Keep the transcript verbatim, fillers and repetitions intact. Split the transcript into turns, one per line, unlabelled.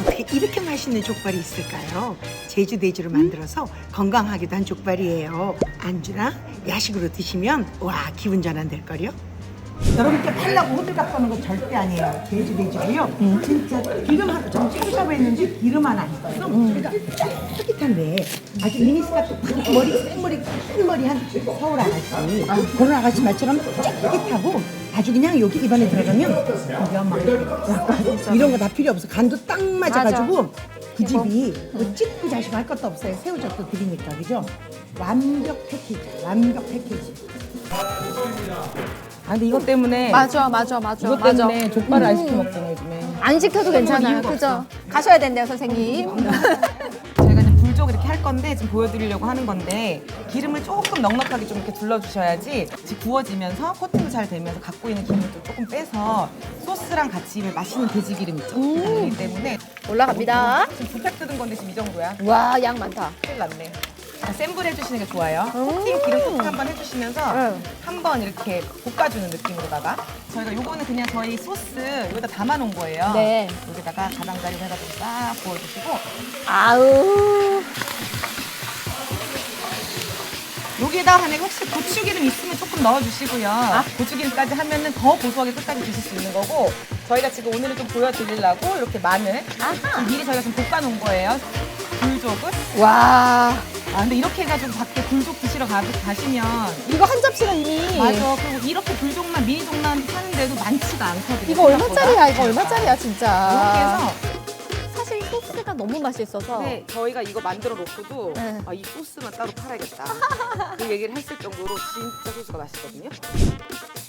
어떻게 이렇게 맛있는 족발이 있을까요? 제주 돼지로 만들어서 건강하기도 한 족발이에요. 안주나 야식으로 드시면 와 기분 전환 될걸요? 여러분께 팔라고 호들갑 떠는 거 절대 아니에요. 돼지 돼지고요. 진짜 기름 하나, 좀 샤브샤브 했는데 기름 하나 있어서 그러니까 쫄깃한데 아주 미니스 같은 머리, 생머리, 큰 머리 한 서울 아가씨 그런 아가씨 말처럼 쫄깃하고 아주 그냥 여기 입안에 들어가면 그냥 막 이런 거 다 필요 없어. 간도 딱 맞아가지고 그 집이 뭐 찍고 자시고 할 것도 없어요. 새우젓도 드리니까 그죠? 완벽 패키지, 완벽 패키지.
아 근데 이것 때문에
맞아, 맞아, 맞아.
이것
맞아.
때문에 족발을 안 시켜 먹잖아요 요즘에.
안 시켜도 괜찮아요. 그죠? 가셔야 된대요, 선생님.
저희가 이제 불족 이렇게 할 건데 지금 보여드리려고 하는 건데 기름을 조금 넉넉하게 좀 이렇게 둘러주셔야지 지금 구워지면서 코팅도 잘 되면서 갖고 있는 기름을 또 조금 빼서 소스랑 같이 입에 맛있는 돼지 기름 있죠. 그렇기 때문에
올라갑니다.
지금 부탁 뜯은 건데 지금 이 정도야.
와, 양 많다.
큰일 났네. 센 불 해주시는 게 좋아요. 코팅 기름 코팅 한번 해주시면서
응.
한번 이렇게 볶아주는 느낌으로다가 저희가 요거는 그냥 저희 소스 여기다 담아놓은 거예요.
네.
여기다가 가장자리 해가지고 싹 부어주시고
아우.
여기에다 안에 혹시 고추기름 있으면 조금 넣어주시고요. 고추기름까지 하면은 더 고소하게 끝까지 드실 수 있는 거고 저희가 지금 오늘은 좀 보여드리려고 이렇게 마늘 지금 미리 저희가 좀 볶아놓은 거예요. 불족을.
와.
아 근데 이렇게 해가지고 밖에 불족 드시러 가, 가시면
이거 한 접시가 이미.
맞아. 그리고 이렇게 불족만 미니족만 파는데도 많지가 않거든요.
이거
생각보다.
얼마짜리야? 이거 얼마짜리야,
이렇게
진짜.
해서
사실 소스가 너무 맛있어서.
네, 저희가 이거 만들어 놓고도
네.
아, 이 소스만 따로 팔아야겠다. 그 얘기를 했을 정도로 진짜 소스가 맛있거든요.